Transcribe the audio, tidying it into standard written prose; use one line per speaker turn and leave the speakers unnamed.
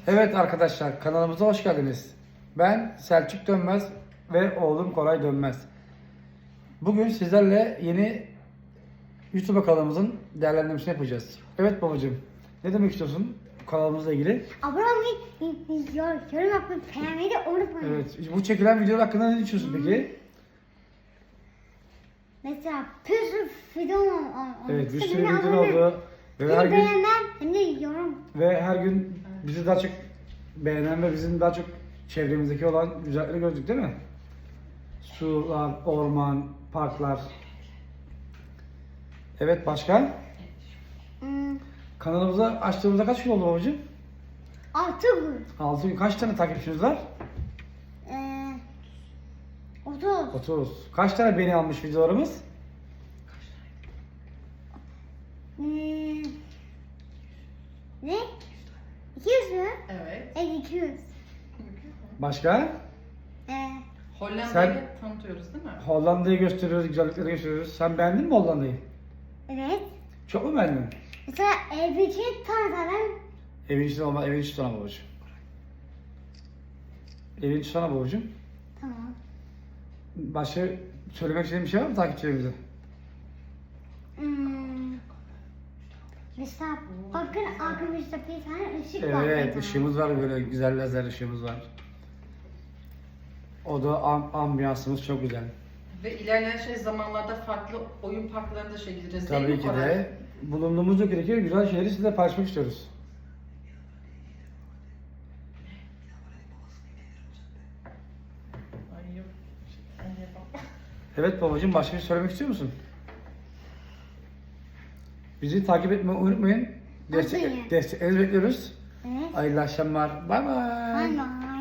Evet arkadaşlar, kanalımıza hoş geldiniz. Ben Selçuk Dönmez ve oğlum Koray Dönmez. Bugün sizlerle yeni YouTube kanalımızın değerlendirmesini yapacağız. Evet babacığım, ne demek istiyorsun kanalımızla ilgili?
Abone olmayı, yorum yapmayı, beğenmeyi de unutmayın.
Evet, bu çekilen videolar hakkında ne düşünüyorsun peki?
Mesela bir sürü video oldu.
Evet, bir sürü video oldu. Ve her
Hem
gün,
beğenen hem de yorum.
ve her gün bizi daha çok beğenen ve bizim daha çok çevremizdeki olan güzellikleri gördük değil mi? Sular, orman, parklar. Evet, başka?
Hmm,
Kanalımıza açtığımızda kaç gün oldu babacığım?
6 gün.
6 gün. Kaç tane takipçiniz var?
30.
30. Kaç tane beğeni almış videolarımız?
Hmm, ne? 200 mü?
Evet.
Evet 200.
Başka?
Hollanda'yı
Sen-
tanıtıyoruz değil mi?
Hollanda'yı gösteriyoruz, güzellikleri gösteriyoruz. Sen beğendin mi Hollanda'yı?
Evet.
Çok mu beğendin?
Mesela bir tanıtalım.
Evin içinde olma, evin içi sana babacığım. Evin içi sana babacığım.
Tamam.
Başka söylemek istediğin bir şey var mı takipçilerimize?
Hmm, mesela bakın arkamızda bir tane ışık var.
Evet, ışığımız var, böyle güzel lazer ışığımız var. O da ambiyansımız çok güzel.
Ve ilerleyen zamanlarda farklı oyun parklarına da gideceğiz değil
Tabii
mi
ki
Koray?
de bulunduğumuz ülkedeki güzel şeyleri sizinle paylaşmak istiyoruz.
Ay yok. Ben yapamam.
Evet babacığım, başka bir şey söylemek istiyor musun? Bizi takip etmeyi unutmayın.
Unutmayın.
Desteklerinizi bekliyoruz.
Evet.
Hayırlı akşamlar. Bay bay.
Bye bye.